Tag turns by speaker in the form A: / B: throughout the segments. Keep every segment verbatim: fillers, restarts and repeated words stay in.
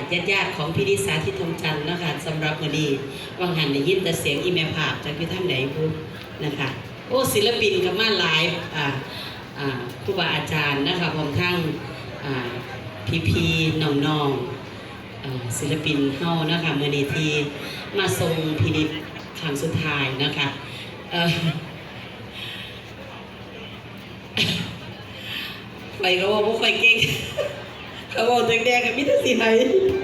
A: ญาติญาติของพี่นิสาทิตทองจันทร์นะคะสำหรับมื้อนี้วังหันได้ยินแต่เสียงอีเมลภาพจากพี่ท่านไหนพูดนะคะโอ้ศิลปินกับมาหลายอ่าอ่าครูบาอาจารย์นะคะพร้อมทั้งอ่าพี่พี่น้องน้องศิลปินเฮานะคะมื้อนี้ที่มาทรงพินิจครั้งสุดท้ายนะคะไปก็ว่าพวกใครเก่งเขาบอกแดงๆกับมิตรสีไหน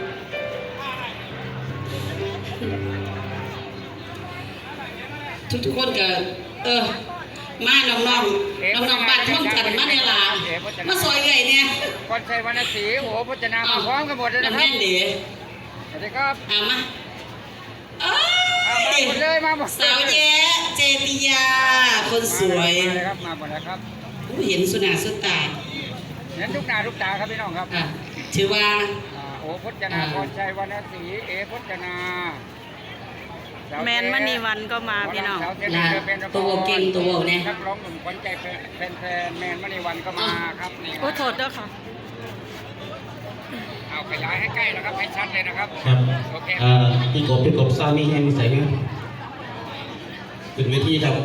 A: ทุกๆคนก็เออมาน้องๆน้องๆบ้านท่องจันมาในลามาซอยใหญ่เนี่ย
B: ก่อนใช้วรรณศรีโหพจนามาพร้อมกันหมดเลยนะครับ
A: แม่นดี
B: สวัสดีครับ
A: อ่ะมาเอ้ย
B: มาหมดเลยมาหมด
A: สาวแย้เจติยาคนสวย
B: มาเลยครับมาหมดแล้วครับ
A: เห็นสุนาสุตา
B: เห็นทุกหน้าทุกตาครับพี่น้องครับ
A: ชื่อว่า
B: โอ้พจนาพรชัยวรรณศรีเอพจนา
C: แมนมณีวันก็มาพี่น้อง
A: ตัวเก่งตัวเนี่ย
B: นักร้องหนุ่มขวัญใจแฟนๆแมนมณีวันก็มาครับนี่
C: โอ้โทษด้วยค่ะ
B: เอาขยายให้ใกล้นะครับให้ชัดเลยนะครับ
D: ครับโอเคอ่าพี่กบพี่กบซามีแห้งใส่ไหมขึ้นเวทีครับ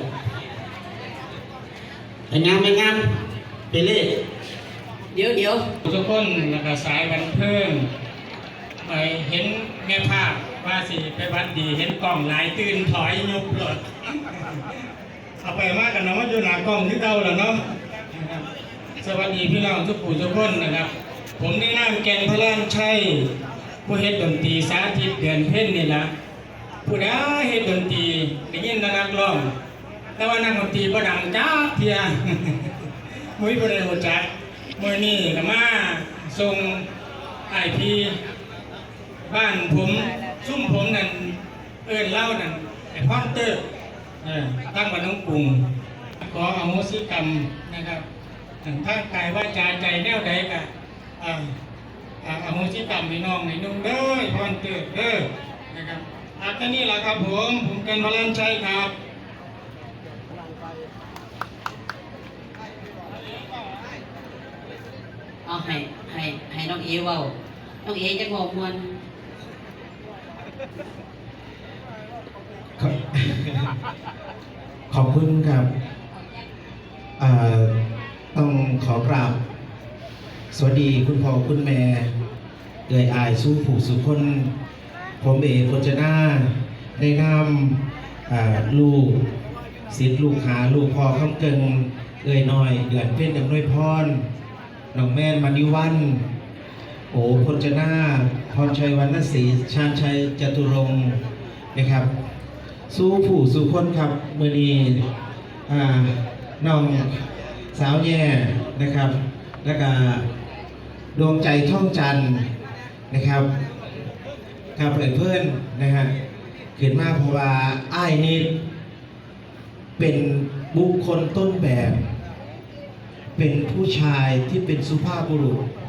D: ไอ้งามไอ้งามไปเล่
A: เดี๋ยวเดี๋ยว
E: ทุกคนแล้วก็สายวันเพิ่มไปเห็นแม่ภาพว่าสิไปวัดดีเห็นกล่องหลายตื่นถอยยุบหลดเอาไปมากกันเนาะอยู่หน้ากล้องที่เก่าแล้วเนาะสวัสดีพี่น้องทุกผู้ทุกคนนะครับผมได้นำแกนพระล้านชัยผู้เฮ็ดดนตรีสาธิตเดือนเพ็ญนี่ละผู้ใดเฮ็ดดนตรีได้ยินนักร้องแต่ว่านักดนตรีบ่ดังจ้าเทียมุ้ยบ่ได้รู้จักมื้อนี้ก็มาส่งไอพีบ้านผมซุ่มผมนั่นเอิ้นเล่านั่นไอ้พอนเตอร์เออตั้งบ้านน้องกรุงขออโหสิกรรมนะครับทางกายว่าจาใจแนวใดก็อ่าอโหสิกรรมพี่น้องให้นุ่งเด้อพอนเตอร์เด้อนะครับอาแค่นี้แหละครับผมผมเป็นพลังชัยครับ
A: เอาให้ให้ให้น้องเอเว้าน้องเอจะบอกมวล
D: ขอบคุณครับต้องขอกราบสวัสดีคุณพ่อคุณแม่เอ่ยอายสู้ผู้สุคนผมเอพจนาได้นำลูกศิษย์ลูกหาลูกพ่อคำเกิงเอ่ยน้อยเดือนเพ็ญดำนวยพรน้องแม่นมณีวันโอ้พจนาพรชัยวรรณศรีชาญชัยจตุรงค์นะครับสู้ผู้สู้คนครับมือนี้น้องสาวแย่นะครับแล้วก็ดวงใจท่องจันทร์นะครับครับเพื่อนเพื่อนนะฮะเขียนมาเพราะว่าอ้ายนี่เป็นบุคคลต้นแบบเป็นผู้ชายที่เป็นสุภาพบุรุษ